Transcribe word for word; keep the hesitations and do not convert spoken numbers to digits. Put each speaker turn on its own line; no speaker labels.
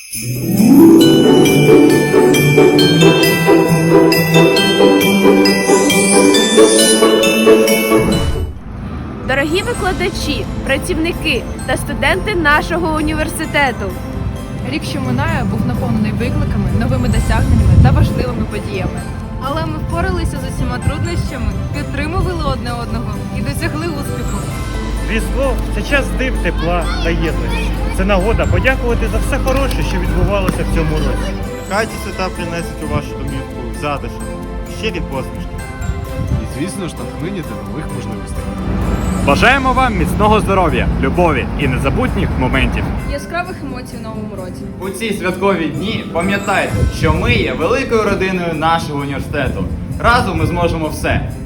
Дорогі викладачі, працівники та студенти нашого університету!
Рік, що минає, був наповнений викликами, новими досягненнями та важливими подіями.
Але ми впоралися з усіма труднощами, підтримували одне одного і досягли успіху.
Різдво – це час див, тепла та єдності. Це нагода подякувати за все хороше, що відбувалося в цьому році.
Хай ці свята принесуть у вашу домівку затишок, щирі посмішки.
І, звісно ж, натхнення до нових можливостей.
Бажаємо вам міцного здоров'я, любові і незабутніх моментів.
Яскравих емоцій в новому році.
У ці святкові дні пам'ятайте, що ми є великою родиною нашого університету. Разом ми зможемо все.